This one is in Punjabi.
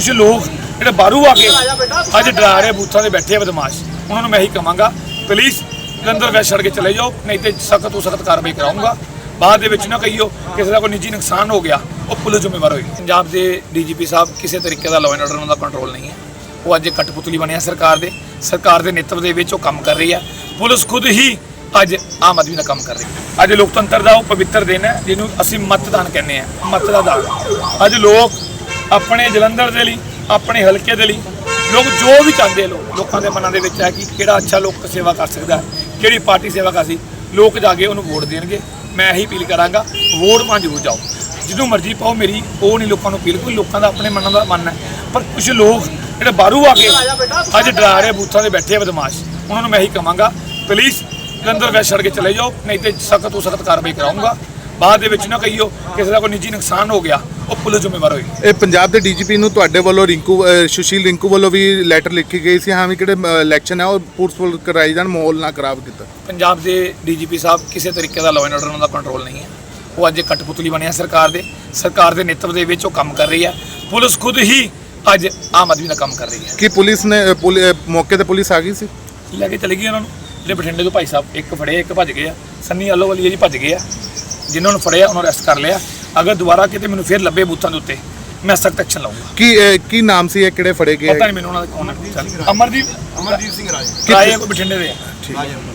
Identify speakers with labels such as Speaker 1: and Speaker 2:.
Speaker 1: कुछ लोग ਜਿਹੜੇ ਬਾਹਰੋਂ ਆ ਕੇ ਅੱਜ ਡਰਾ ਰਹੇ ਬੂਥਾਂ ਦੇ ਬੈਠੇ ਬਦਮਾਸ਼, ਉਹਨਾਂ ਨੂੰ ਮੈਂ ਇਹੀ ਕਹਾਂਗਾ ਪਲੀਜ਼ ਜਲੰਧਰ ਵੈਸਟ ਛੱਡ ਕੇ ਚਲੇ ਜਾਓ, ਨਹੀਂ ਤੇ ਸਖਤ ਤੋਂ ਸਖਤ ਕਾਰਵਾਈ ਕਰਾਉਂਗਾ। ਬਾਅਦ ਦੇ ਵਿੱਚ ਨਾ ਕਹੀਓ ਕਿਸੇ ਦਾ ਕੋਈ ਨਿੱਜੀ ਨੁਕਸਾਨ ਹੋ ਗਿਆ, ਉਹ ਪੁਲਿਸ ਜ਼ਿੰਮੇਵਾਰ ਹੋਏਗੀ। ਪੰਜਾਬ ਦੇ ਡੀਜੀਪੀ ਸਾਹਿਬ ਕਿਸੇ ਤਰੀਕੇ ਦਾ ਲਾਅ ਐਂਡ ਆਰਡਰ ਦਾ ਕੰਟਰੋਲ ਨਹੀਂ ਹੈ। ਉਹ ਅੱਜ ਕਠਪੁਤਲੀ ਬਣਿਆ ਸਰਕਾਰ ਦੇ ਨੇਤਵ ਦੇ ਵਿੱਚ ਉਹ ਕੰਮ ਕਰ ਰਹੀ ਹੈ। ਪੁਲਿਸ ਖੁਦ ਹੀ ਅੱਜ ਆਮ ਆਦਮੀ ਦਾ ਕੰਮ ਕਰ ਰਹੀ ਹੈ। ਅੱਜ ਲੋਕਤੰਤਰ ਦਾ ਉਹ ਪਵਿੱਤਰ ਦਿਨ ਹੈ ਜਿਹਨੂੰ ਅਸੀਂ ਮਤਦਾਨ ਕਹਿੰਦੇ ਆ, ਮਤ ਦਾ ਦਾਨ। ਅੱਜ ਲੋਕ ਆਪਣੇ ਜਲੰਧਰ ਦੇ ਲਈ, ਆਪਣੇ ਹਲਕੇ ਦੇ ਲਈ ਲੋਕ ਜੋ ਵੀ ਚਾਹੁੰਦੇ, ਲੋਕਾਂ ਦੇ ਮਨਾਂ ਦੇ ਵਿੱਚ ਹੈ ਕਿ ਕਿਹੜਾ ਅੱਛਾ ਲੋਕ ਸੇਵਾ ਕਰ ਸਕਦਾ, ਕਿਹੜੀ ਪਾਰਟੀ ਸੇਵਾ ਕਰ ਸੀ, ਲੋਕ ਜਾ ਕੇ ਉਹਨੂੰ ਵੋਟ ਦੇਣਗੇ। ਮੈਂ ਇਹੀ ਅਪੀਲ ਕਰਾਂਗਾ, ਵੋਟ ਪਾਉਣ ਜ਼ਰੂਰ ਜਾਓ, ਜਿਹਨੂੰ ਮਰਜ਼ੀ ਪਾਓ, ਮੇਰੀ ਉਹ ਨਹੀਂ ਲੋਕਾਂ ਨੂੰ ਅਪੀਲ। ਕੋਈ ਲੋਕਾਂ ਦਾ ਆਪਣੇ ਮਨਾਂ ਦਾ ਮਨ ਹੈ, ਪਰ ਕੁਝ ਲੋਕ ਜਿਹੜੇ ਬਾਹਰੋਂ ਆ ਕੇ ਅੱਜ ਡਰਾ ਰਹੇ ਬੂਥਾਂ ਦੇ ਬੈਠੇ ਬਦਮਾਸ਼, ਉਹਨਾਂ ਨੂੰ ਮੈਂ ਇਹੀ ਕਹਾਂਗਾ ਪਲੀਜ਼ ਜਲੰਧਰ ਵੈਸਟ ਛੱਡ ਕੇ ਚਲੇ ਜਾਓ, ਨਹੀਂ ਤੇ ਸਖਤ ਤੋਂ ਸਖਤ ਕਾਰਵਾਈ ਕਰਾਉਂਗਾ। ਬਾਅਦ ਦੇ ਵਿੱਚ ਨਾ ਕਹੀਓ ਕਿਸੇ ਦਾ ਕੋਈ ਨਿੱਜੀ ਨੁਕਸਾਨ ਹੋ ਗਿਆ, ਉਹ ਪੁਲਿਸ ਜ਼ਿੰਮੇਵਾਰ ਹੋਏਗੀ।
Speaker 2: ਇਹ ਪੰਜਾਬ ਦੇ ਡੀਜੀਪੀ ਨੂੰ ਤੁਹਾਡੇ ਵੱਲੋਂ ਸੁਸ਼ੀਲ ਰਿੰਕੂ ਵੱਲੋਂ ਵੀ ਲੈਟਰ ਲਿਖੀ ਗਈ ਸੀ, ਹਾਂ ਵੀ ਕਿਹੜੇ ਇਲੈਕਸ਼ਨ ਹੈ ਉਹ ਪੂਰਸਫੁਲ ਕਰਾਈ ਜਾਣ, ਮਾਹੌਲ ਨਾ ਖਰਾਬ ਕੀਤਾ।
Speaker 1: ਪੰਜਾਬ ਦੇ ਡੀਜੀਪੀ ਸਾਹਿਬ ਕਿਸੇ ਤਰੀਕੇ ਦਾ ਲਾਅ ਐਂਡ ਆਰਡਰ ਦਾ ਕੰਟਰੋਲ ਨਹੀਂ ਹੈ। ਉਹ ਅੱਜ ਕਠਪੁਤਲੀ ਬਣਿਆ ਸਰਕਾਰ ਦੇ ਨੇਤਵ ਦੇ ਵਿੱਚ ਉਹ ਕੰਮ ਕਰ ਰਹੀ ਹੈ। ਪੁਲਿਸ ਖੁਦ ਹੀ ਅੱਜ ਆਮ ਆਦਮੀ ਦਾ ਕੰਮ ਕਰ ਰਹੀ ਹੈ।
Speaker 2: ਕਿ ਪੁਲਿਸ ਨੇ ਮੌਕੇ ਤੇ ਪੁਲਿਸ ਆ ਗਈ ਸੀ,
Speaker 1: ਲੈ ਕੇ ਚਲੀ ਗਈ ਉਹਨਾਂ ਨੂੰ। ਜਿਹੜੇ ਬਠਿੰਡੇ ਤੋਂ ਭਾਈ ਸਾਹਿਬ ਇੱਕ ਫੜੇ, ਇੱਕ ਭੱਜ ਗਏ ਆ, ਸੰਨੀ ਆਲੋਵਾਲੀਆ ਜੀ ਭੱਜ ਗਏ ਆ। ਜਿਨ੍ਹਾਂ ਨੂੰ ਫੜਿਆ ਉਹਨਾਂ ਨੂੰ ਅਰੈਸਟ ਕਰ ਲਿਆ। ਅਗਰ ਦੁਬਾਰਾ ਕਿਤੇ ਮੈਨੂੰ ਫਿਰ ਲੱਭੇ ਬੂਥਾਂ ਦੇ ਉੱਤੇ, ਮੈਂ ਸਖਤ ਐਕਸ਼ਨ ਲਵਾਂਗਾ।
Speaker 2: ਕੀ ਨਾਮ ਸੀ ਇਹ, ਕਿਹੜੇ ਫੜੇ ਗਏ?
Speaker 1: ਪਤਾ ਨਹੀਂ ਮੈਨੂੰ ਉਹਨਾਂ ਦਾ ਕੌਣ ਹੈ। ਅਮਰਦੀਪ ਸਿੰਘ ਰਾਏ ਕੋਈ ਬਠਿੰਡੇ ਦੇ ਆ।